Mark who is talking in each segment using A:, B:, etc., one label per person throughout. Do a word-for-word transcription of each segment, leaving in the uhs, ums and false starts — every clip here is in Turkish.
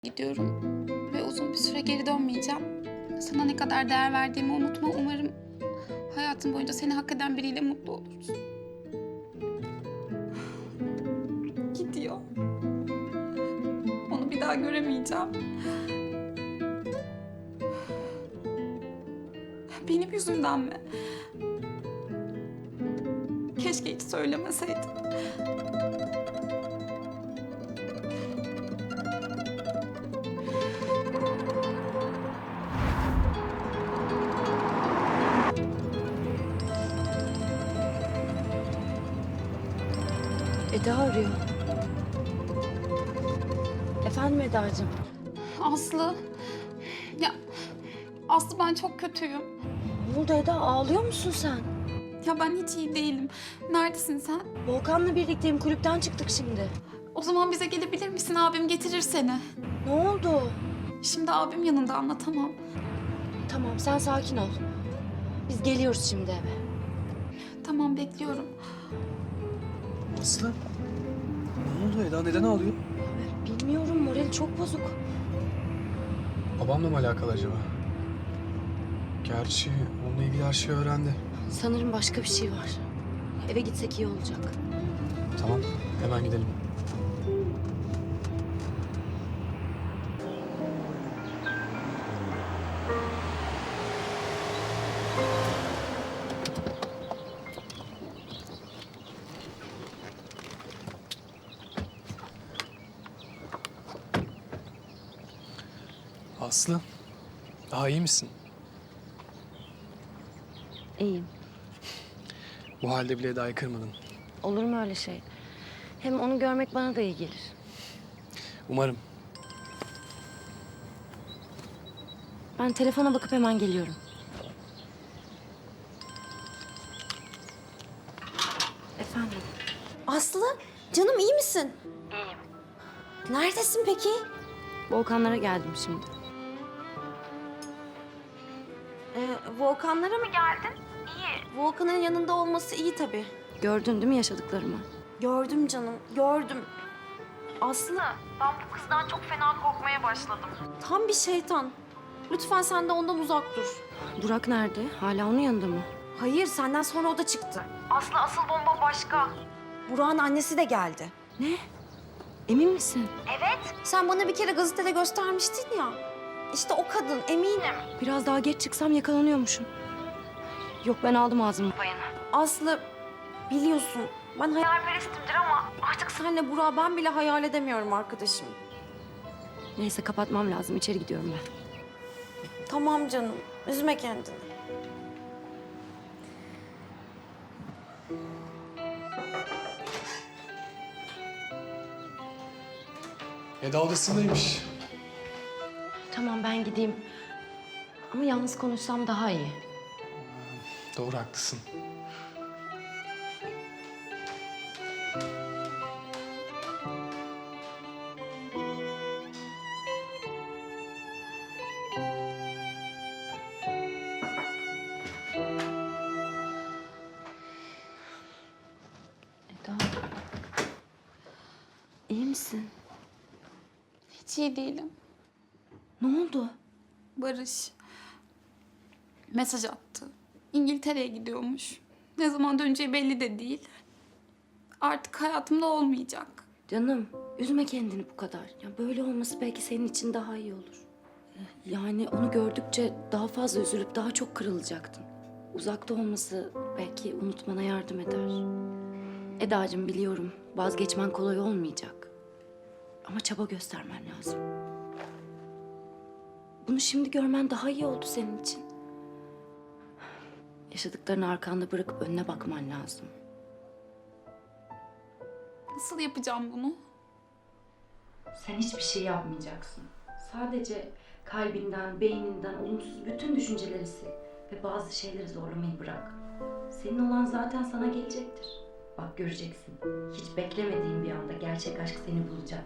A: gidiyorum ve uzun bir süre geri dönmeyeceğim. Sana ne kadar değer verdiğimi unutma. Umarım hayatın boyunca seni hak eden biriyle mutlu olursun. Gidiyor. Onu bir daha göremeyeceğim. Benim yüzümden mi? Keşke hiç söylemeseydim.
B: Eda arıyor. Efendim Eda'cığım?
A: Aslı. Ya Aslı, ben çok kötüyüm.
B: Ne oldu Eda? Ağlıyor musun sen?
A: Ya ben hiç iyi değilim. Neredesin sen?
B: Volkan'la birlikteyim. Kulüpten çıktık şimdi.
A: O zaman bize gelebilir misin? Abim getirir seni.
B: Ne oldu?
A: Şimdi abim yanında, anlatamam.
B: Tamam sen sakin ol. Biz geliyoruz şimdi eve.
A: Tamam, bekliyorum.
C: Aslı? Ne oldu Eda? Neden ağlıyor?
B: Bilmiyorum, morali çok bozuk.
C: Babamla mı alakalı acaba? Gerçi onunla ilgili her şeyi öğrendi.
B: Sanırım başka bir şey var. Eve gitsek iyi olacak.
C: Tamam, hemen gidelim. Aslı, daha iyi misin?
B: İyiyim.
C: Bu halde bile Eda'yı kırmadın.
B: Olur mu öyle şey? Hem onu görmek bana da iyi gelir.
C: Umarım.
B: Ben telefona bakıp hemen geliyorum. Efendim?
D: Aslı, canım iyi misin? İyiyim. Neredesin peki?
B: Volkanlara geldim şimdi.
D: Ee, Volkanlara mı geldin? İyi. Volkan'ın yanında olması iyi tabii.
B: Gördün değil mi yaşadıklarımı?
D: Gördüm canım, gördüm. Aslı, ben bu kızdan çok fena korkmaya başladım. Tam bir şeytan. Lütfen sen de ondan uzak dur.
B: Burak nerede? Hala onun yanında mı?
D: Hayır, senden sonra o da çıktı. Aslı, asıl bomba başka. Burak'ın annesi de geldi.
B: Ne? Emin misin?
D: Evet. Sen bana bir kere gazetede göstermiştin ya. İşte o kadın, eminim.
B: Biraz daha geç çıksam yakalanıyormuşum. Yok ben aldım ağzımı payını.
D: Aslı, biliyorsun ben hayalperestimdir ama artık seninle Burak'ı ben bile hayal edemiyorum arkadaşım.
B: Neyse kapatmam lazım. İçeri gidiyorum ben.
D: Tamam canım, üzme kendini.
C: Eda odasındaymış.
B: Tamam ben gideyim. Ama yalnız konuşsam daha iyi.
C: Doğru, haklısın.
B: Eda. İyi misin?
A: Hiç iyi değilim.
B: Ne oldu?
A: Barış mesaj attı. İngiltere'ye gidiyormuş. Ne zaman döneceği belli de değil. Artık hayatımda olmayacak.
B: Canım üzme kendini bu kadar. Ya böyle olması belki senin için daha iyi olur. Yani onu gördükçe daha fazla üzülüp daha çok kırılacaktın. Uzakta olması belki unutmana yardım eder. Edacığım biliyorum vazgeçmen kolay olmayacak. Ama çaba göstermen lazım. Bunu şimdi görmen daha iyi oldu senin için. Yaşadıklarını arkanda bırakıp önüne bakman lazım.
A: Nasıl yapacağım bunu?
B: Sen hiçbir şey yapmayacaksın. Sadece kalbinden, beyninden olumsuz bütün düşünceleri sil ve bazı şeyleri zorlamayı bırak. Senin olan zaten sana gelecektir. Bak göreceksin. Hiç beklemediğin bir anda gerçek aşk seni bulacak.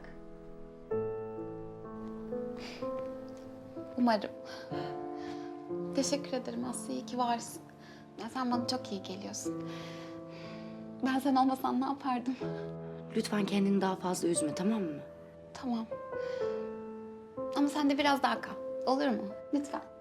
A: Umarım. Teşekkür ederim Aslı, iyi ki varsın. Ya sen bana çok iyi geliyorsun. Ben sen olmasan ne yapardım?
B: Lütfen kendini daha fazla üzme, tamam mı?
A: Tamam. Ama sen de biraz daha kal. Olur mu? Lütfen.